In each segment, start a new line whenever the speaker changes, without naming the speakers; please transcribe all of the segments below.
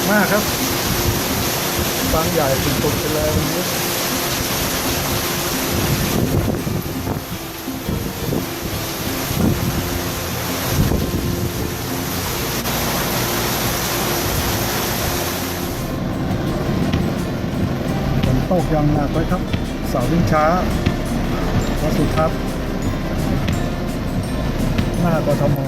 มากครับฟางใหญ่สุดๆไปเลยวันนี้ฝนตกอย่างหนักเลยครับเสาวิ่งช้าวัดสุทัศน์หน้ากทม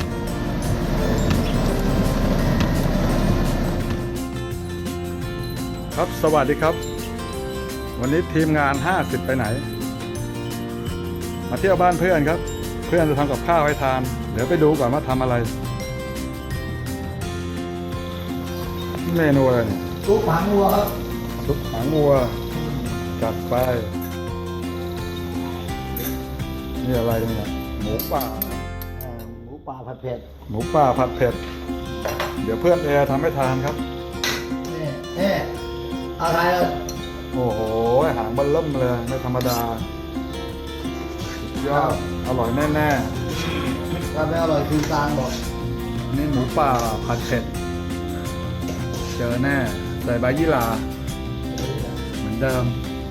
ครับสวัสดีครับวันนี้ทีมงาน50ไปไหนมาเที่ยวบ้านเพื่อนครับเพื่อนจะทำกับข้าวให้ทานเดี๋ยวไปดูก่อนว่าทำอะไรเมนูอะไรเนี่ย
ซุปหางวัวครับ
ซุปหางวัวจัดไปนี่อะไรเนี่ยหมูป่า
หมูป่าผัดเผ็ด
หมูป่าผัดเผ็ดเดี๋ยวเพื่อนแอร์ทำให้ทานครับ
นี่อะไรอ่ะ
โอ้โหหางเบิ่มเริ่มเลยไม่ธรรมดาสุดยอดอร่อยแน่
ถ้าไม่อร่อยคือกลางบอก
ๆนี่หมูป่าผัดเผ็ดเจอแน่ใส่ใบยี่หร่าเหมือนเดิม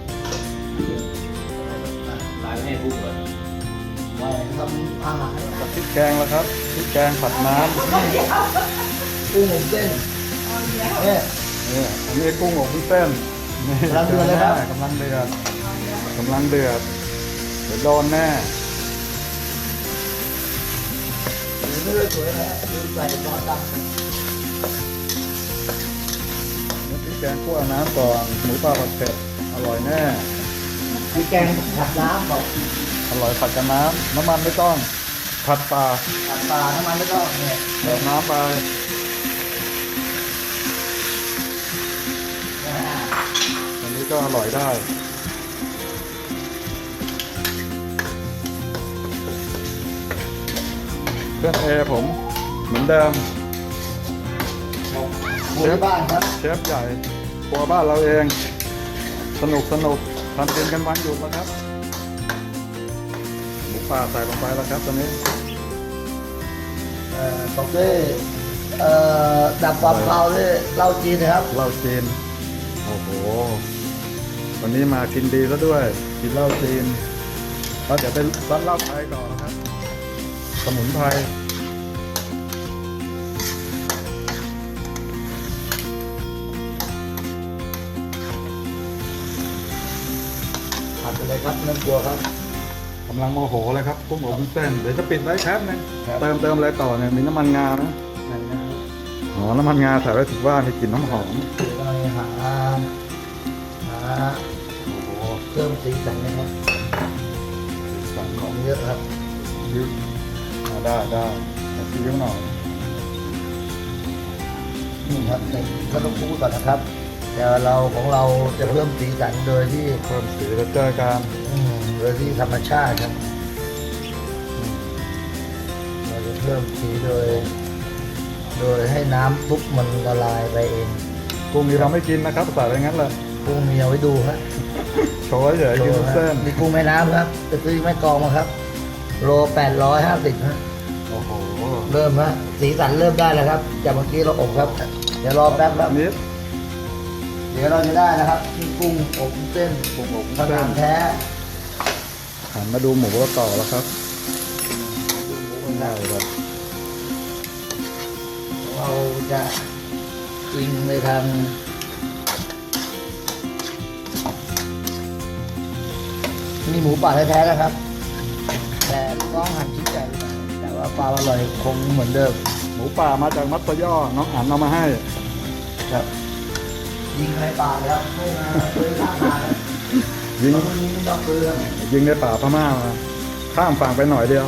ร้านให้ทุกเลย
ไว้ทำอาหาร
พริกแกงแล้วครับพริกแกงผัดน้ำ
กุ้งอบเส้นเนี่ย
นี่อันนี้กุ้งอบวุ้นเส้นนี่
กำลังเดือดเลยครับ
กำลังเดือดกำลังเดือดเดี๋ยวโดนแน่
ไม่ได้สวยนะลืมใส่ซอสดำ
นี่พริกแกงคั่วน้ำก่อนหมูป่าผัดเผ็ดอร่อยแน่
มีแกงผัดน้ำบอก
อร่อยผัดกับน้ำน้ำมันไม่ต้องผัดปลา
ผัดปลาน้ำมันไม่ต้องเนี่ย
เติมน้ำไปอันนี้ก็อร่อยได้เพื่อนเอผมเหมือนเดิม
หมูที่บ้านครับ
เชฟใหญ่ครัวบ้านเราเองสนุกทำกินกันวันหยุดแล้วครับหมูป่าใส่ลงไปแล้วครับตอนนี้
ตกด้วยดับความคาวด้วยเหล้าจีนนะครับ
เหล้าจีนโอ้โหวันนี้มากินดีซะด้วยกินเหล้าจีนแล้วเดี๋ยวไปร้านเหล้าไทยต่อนะครับสมุนไพร
ผัดไปเลยครับน้ำกลัวครับ
กำลังโมโหเลยครับกุ้งอบวุ้นเส้นเดี๋ยวจะปิดไว้แป๊บนึง
ครับ
เติมอะไรต่อเนี่ยมีน้ำมันงานะ
นั่นนะครับ
อ๋อน้ำมันงาใส่ไว้ถือว่ามีกลิ่นน้ำหอม
เดี๋ยวเราหา
โอ้โห
เพิ่มสีสันนะครับ
สั่ง
ข
ข
อ
อง
งเยอะครับ
ยืดได้แต่ซีอิ๊วหน่อย
นี่ครับก็ต้องพูดก่อนนะครับ แต่เราของเราจะเพิ่มสีสันโดยที่
เพิ่มสีแล้วเจอกัน
โดยที่ธรรมชาติครับเราจะเพิ่มสีโดยให้น้ำซุปมันละลายไปเอง
กุ้งนี้เราไม่กินนะครับใส่ไปงั้นเลย
กุ้งมีเอาไว้ดูครับ
โชว์เฉยๆกินวุ้นเส้น
มีกุ้งแม่น้ำครับจะซื้อแม่กลองมาครับ โล850ฮะ
โอ้โห
เริ่มฮะสีสันเริ่มได้แล้วครับจากเมื่อกี้เราอบครับ เดี๋ยวรอแป๊บครับ
นิด
เดี๋ยวเราจะได้นะครับที่กุ้งอบเส้น
กุ้งอบวุ้น
ประ
เส้
กาน รแท้
หันมาดูหมูต่อแล้วครับ
ดูหมูกันค
ได้
รับ
ครับ
เราจะอิงในทางนี่หมูป่าแท้ๆนะครับ แต่ต้องหั่นชิ้นใหญ่ไปหน่อยแต่ว่าความอร่อยคงเหมือนเดิม
หมูป่ามาจากมัตตย่อน้องอั๋นเอามาให้
ครับยิงในป่าแล้วไม่มาซื้อข้างทางแล้ว
ยิง
แล้วคนนี้ไม่ต้องซื้อครับ
ยิงในป่าพม่ามาข้ามฝั่งไปหน่อยเดียว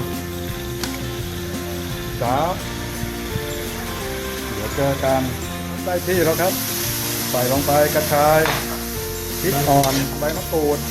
จ้าเดี๋ยวเจอกันได้ที่แล้วครับ ใส่ลงไปกระชายพริกอ่อนใบมะกรูด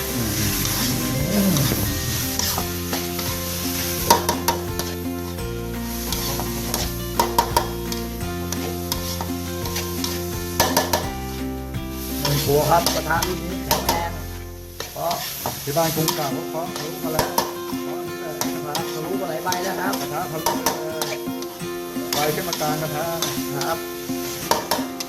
1 หัวครับกระทะรุ่นนี้แข็งแรงเพราะ
ที่บ้านกรุงเก่าก็พร้อมทะลุมาแล้ว
นะครับทะลุมาหลายใบแล้วครับ
กระทะทะลุเลยไฟขึ้นมากลางกระทะ
ครับ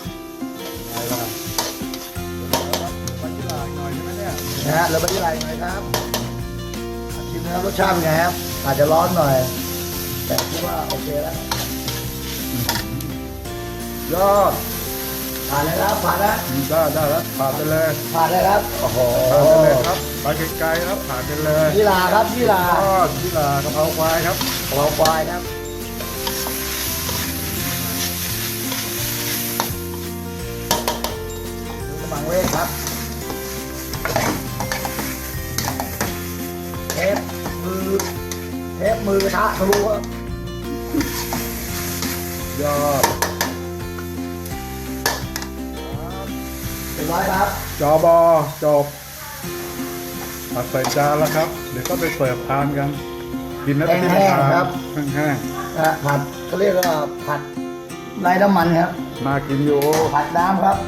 นะฮะแล้วไม่ได้ไรไหมครับชิมนะครับรสชาติเป็นไงครับอาจจะร้อนหน่อย แต่คิดว่าโอเคแล้ว
ยอด
ผ่านเลยครับผ่านแล้ว
ได้แล้วผ่านไปเลย
ผ่านเลยครับโอ้โห
ผ่านไปเลยครับไปไกลๆครับผ่านไปเลย
ยี่ลาครับยี่ลาย
อดที่ลากะเพราควายครับ
กะเพราควายครับกระมังเวทครับเทปมือกระทะทะลุครับ
ยอด
เป็นร้อยครับ
จอบอจบตักใส่จานแล้วครับ เดี๋ยวก็ไปเสิร์ฟทานกัน กินแล้วกินทานแห้ง
ผัดเขาเรียกว่าผัดไร้น้ำมันครับ
ๆน่ากินอยู่
ผัดน้ำครับ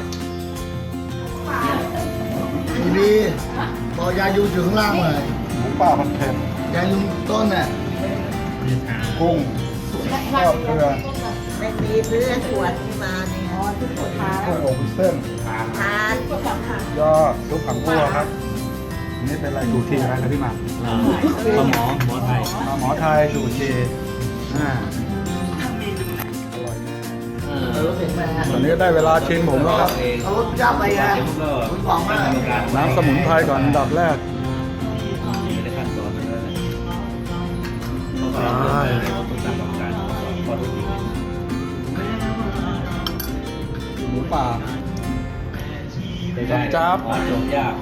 ดีๆบอกยาอยู่ถึงข้างล่างเลย
หมูป่าผัดเผ็ด
ยาอยู่ต้นเนี่ย
กุ้งทอดเกลือ
ไม่มีเพื่อนขวดที่มาเนี่ยอ๋อที่ขวดทาน
กุ้งอบวุ้นเส้น
ทาน
ยอดซุปผังบัวครับอันนี่เป็นอะไรดูทีอะไรครับพี่หมาก
หมอไทย
หมอไทยดูทีอร่อยแน่
รู้สึกไหมฮะ
ตอนนี้ก็ได้เวลาชิมผมแล้วครับ
เขารสจับไปไงคุณฟองมาก
น้ำสมุนไพรก่อนอันดับแรก
ไม่ได้ขั้นตอนนั้นเลยต้องตามกรรมการข้อที่จริง
หมูป่า
ได้
จับ
จมยาก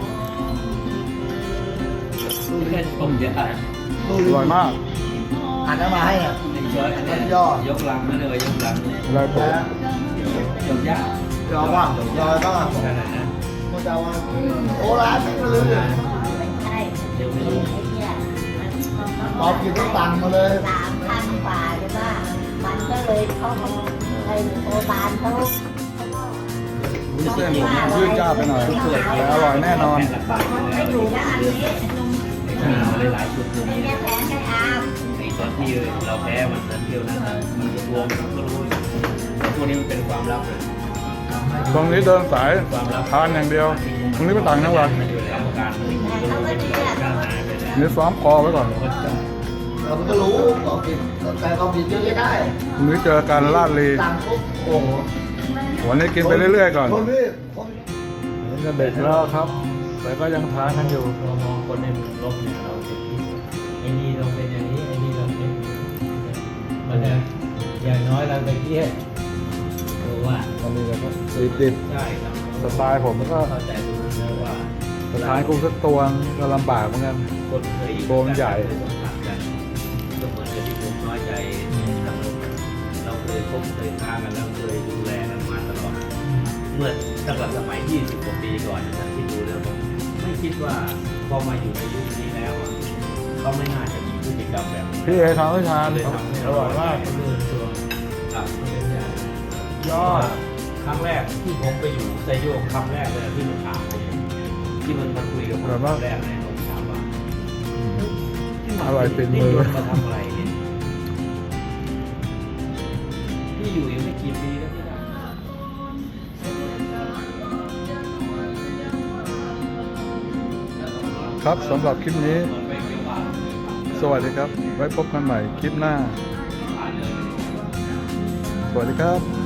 แค่จมยาก
อร่อยมาก
หันน้ำมาให้อ่ะ
หนึ่งช้อนอันนี้ยกลังนั่นเลยยกลัง
อะไรผม
จมยาก
รอว่างรอก็
ขนาดนั้น
มันจะว่าโอ้ร้านไม่ลืม
ไม่ใช่
เดี๋ยวไม่รู้
ไอ้เนี่ย
ตอบกินต้องตังมาเลย
3,000 กว่าใช่ป่ะมันก็เลยเข้ามาไอ้โอบานเขา
วุ้นเส้นผมยืดจ้าไปหน่อยแต่อร่อยแน่นอน
ไม่อยู่นะอันนี้
หลายชุด
ไอ้เนี่ยแผนไม่อาม
ไอ้ตอนที่เราแพ้มันเที่ยวนั้นมันรวมมันก็รู้พวกนี้มันเป็นความลับเลย
ตรงนี้เดินสายทานอย่างเดียว ตรงนี้เป็นต่างจังหวัด
มันอยู่ในกรรมการมัน
เขาก็ดีอ่ะ
การหายไปแล้ว
นี่ซ้อมคอไว้ก่อน
เราก็รู้ตอบผิดแต่ตอบผิดเยอะก็ได้
ตรงนี้เจอกันลาดลี
ตังปุ๊บโอ้โห
วันนี้กินไปเรื่อยๆก่อน
คนพี่คน
นี่ก็เด็กแล้วครับ แต่ก็ยังทานกันอยู่
เรามองคนในมุมลบเนี่ยเราจะคิดไอ้นี่เราเป็นอย่างนี้ไอ้นี่เราเป็นมันจะอย่างน้อยเราไปเที่ยวรู้ว่า
ตอนนี้ก็ติด
ใช่ครับ
สไตล์ผมก็
เข้าใจรู้นะว่า
สไตล์กุ้งสักตัวก็ลำบากเหมือนกัน
คนเคยอยู่
โบมใหญ่
เคยสัมผัสกันก็เหมือนกับที่ผมน้อยใจทางเราเคยพบเคยทากันแล้วเคยดูแลกันมาตลอด เมื่อตั้งแต่สมัย 20 กว่าปีก่อนนะที่ดูแล้วผมไม่คิดว่าพอมาอยู่ในยุคนี้แล้วอะเขาไม่น่าจะมีพฤติกรรมแบบนี้
พี่เอทำให้ทาน
เลยทำให้
อร่อยมาก
เลื่อนตัวครับเป็นอย่าง
ยอด
ครั้งแรกที่ผมไปอยู่ไซโยกครั้งแรกเลยที่มันถามผมที่มันมาคุยกับผมครั้งแรกเลยผมถามว่า
อร่อยติดมือ
มาทำอะไรเนี่ยพี่อยู่ยังไม่กี่ปีแล้วพี่นะ
ครับสำหรับคลิปนี้ สวัสดีครับ ไว้พบกันใหม่คลิปหน้า สวัสดีครับ